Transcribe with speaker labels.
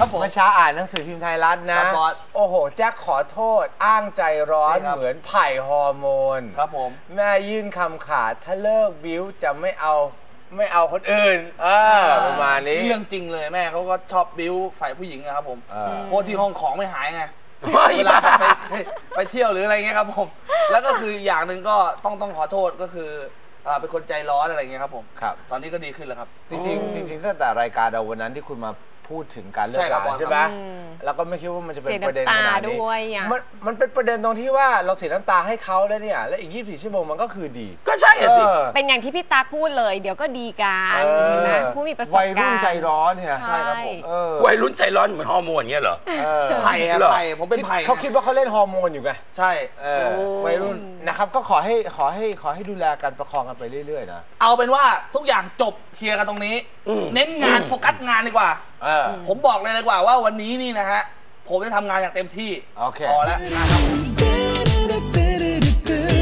Speaker 1: ครับผม
Speaker 2: เมื่อเช้าอ่านหนังสือพิมพ์ไทยรัฐนะโอ้โหแจ็คขอโทษอ้างใจร้อนเหมือนไผ่ฮอร์โมน
Speaker 1: ครับผม
Speaker 2: แม่ยื่นคำขาดถ้าเลิกบิ้วจะไม่เอาคนอื่นประมาณนี้
Speaker 1: เรื่องจริงเลยแม่เขาก็ชอบบิ้วฝ่ายผู้หญิงนะครับผมเพราะที่ห้องของไม่หายไงเวลาไปเที่ยวหรืออะไรเงี้ยครับผมแล้วก็คืออย่างหนึ่งก็ต้องขอโทษก็คือเป็นคนใจร้อนอะไรเงี้ยครับผม
Speaker 2: ครับ
Speaker 1: ตอนนี้ก็ดีขึ้นแล้วครับ
Speaker 2: จริงตั้งแต่รายการเราวันนั้นที่คุณมาพูดถึงการเลิกราใช่ไหมแล้วก็ไม่คิดว่ามันจะเป็นประเด็นขนาดนี้มันเป็นประเด็นตรงที่ว่าเราเสียน้ำตาให้เขาแล้วเนี่ยและอีก24 ชั่วโมงมันก็คือดี
Speaker 3: ก็ใช่สิ
Speaker 4: เป็นอย่างที่พี่ตาพูดเลยเดี๋ยวก็ดีกันนะผู้มีประสบการณ์
Speaker 2: วัยรุ่นใจร้อนเนี่ย
Speaker 1: ใช่ครับผม
Speaker 3: วัยรุ่นใจร้อนเหมือนฮอร์โมนเงี้ยเหรอ
Speaker 1: ไผ่ผมเป็นไผ่
Speaker 2: เขาคิดว่าเขาเล่นฮอร์โมนอยู่ไง
Speaker 1: ใช่วัยรุ่น
Speaker 2: นะครับก็ขอให้ดูแลกันประคองกันไปเรื่อยๆนะ
Speaker 1: เอาเป็นว่าทุกอย่างจบเคลียร์กันตรงนี้เน้นงานโฟกัสงานดีกว่าผมบอกเลยดีกว่าว่าวันนี้นี่นะฮะผมจะทำงานอย่างเต็มที่พอแล้วนะครับ